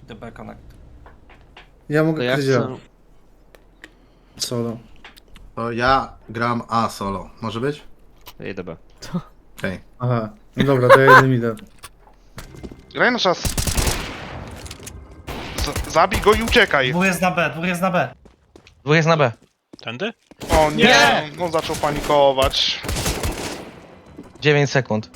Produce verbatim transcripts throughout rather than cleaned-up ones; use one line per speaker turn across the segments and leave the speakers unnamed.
D B Connect.
Ja
To
mogę
ja
kryć
chcę...
solo.
To ja gram A solo. Może być?
Jedę B.
Okej.
Aha, no dobra, to ja jednym idę.
Graj na czas. Z zabij go i uciekaj.
Dwóch jest na B, dwóch jest na B.
Dwóch jest na B.
Tędy?
O nie,
Nie!
no zaczął panikować.
dziewięć sekund.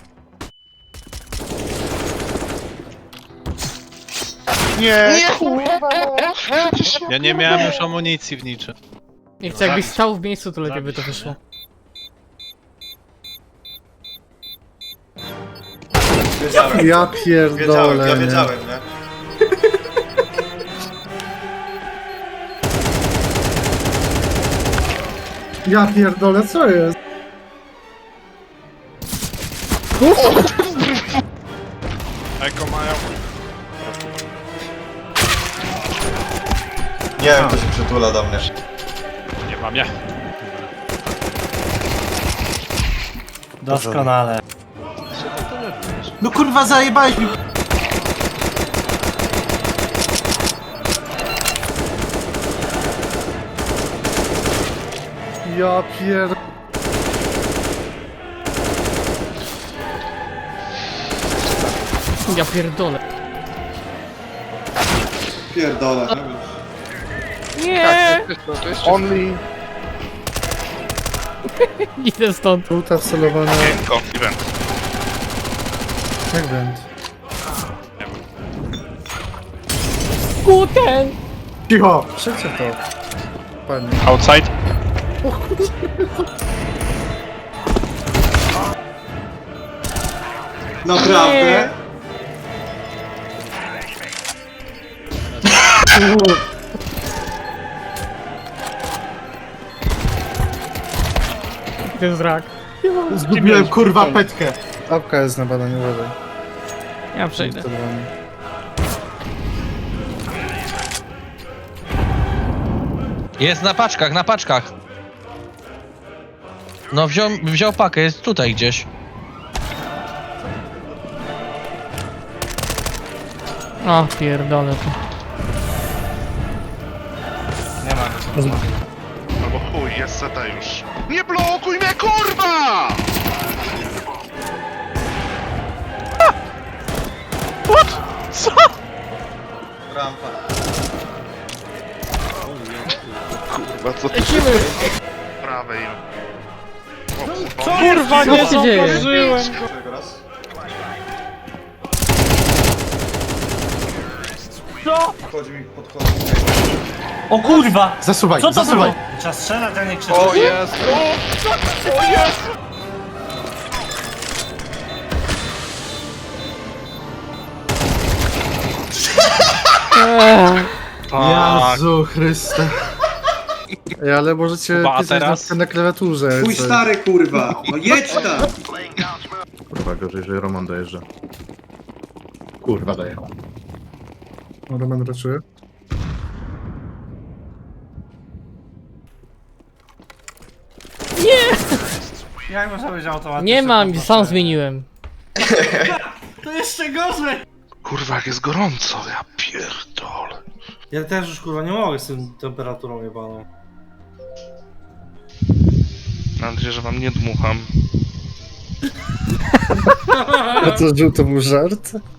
Nie, kurwa, no.
Ja nie miałem już amunicji w niczym.
Nie chcę, jakbyś stał w miejscu, to lepiej by to wyszło.
Wiedziałem.
Ja
Wiedziałem,
pierdolę,
ja
nie.
wiedziałem, nie?
Ja pierdolę, co jest?
Eko mają.
Nie wiem, kto się przytula do mnie.
Nie mam ja.
Doskonale.
No kurwa, zajebałeś mi!
Ja pier...
Ja pierdolę.
Pierdolę.
Nie!
Only.
Idę stąd.
Żółta wcelowana...
Miękko, event.
Jak węd?
Guten!
Cicho! Przecie to. Panie.
Outside?
Naprawdę?
To jest rak.
Zgubiłem kurwa petkę.
Apka jest na badaniu, uważaj.
Ja przejdę.
Wcelowany.
Jest na paczkach, na paczkach. No wziął, wziął pakę, jest tutaj gdzieś.
O, pierdolę to.
Nie ma go.
Albo chuj, jest C T już. Nie blokuj mnie, kurwa!
Rampa.
Kurwa, co ty
Lecimy!
prawej? O, kurwa.
Kurwa,
Co się dzieje?
Tego raz.
Co?
Chodzi mi podchodzi.
O kurwa!
Zasuwaj,
Co to
zasuwaj!
było? Trzeba strzelać, a nie krzyczeć.
O jest! O, o jest!
Eee,
Jezu Chryste.
Ej, ale możecie
Kuba, a
pisać
teraz?
na, na klawiaturze.
Twój
co-
stary kurwa! No jedź tam!
Kurwa, gorzej, że Roman dojeżdża. Kurwa, dojechał.
O, Roman raczuje.
Jak można być automatycznie?
nie mam, sam zmieniłem.
To jeszcze gorzej!
Kurwa, jak jest gorąco, ja pierdolę.
Ja też już kurwa nie mogę z tym temperaturą jebaną.
Mam nadzieję, że wam nie dmucham.
A to żółto był żart?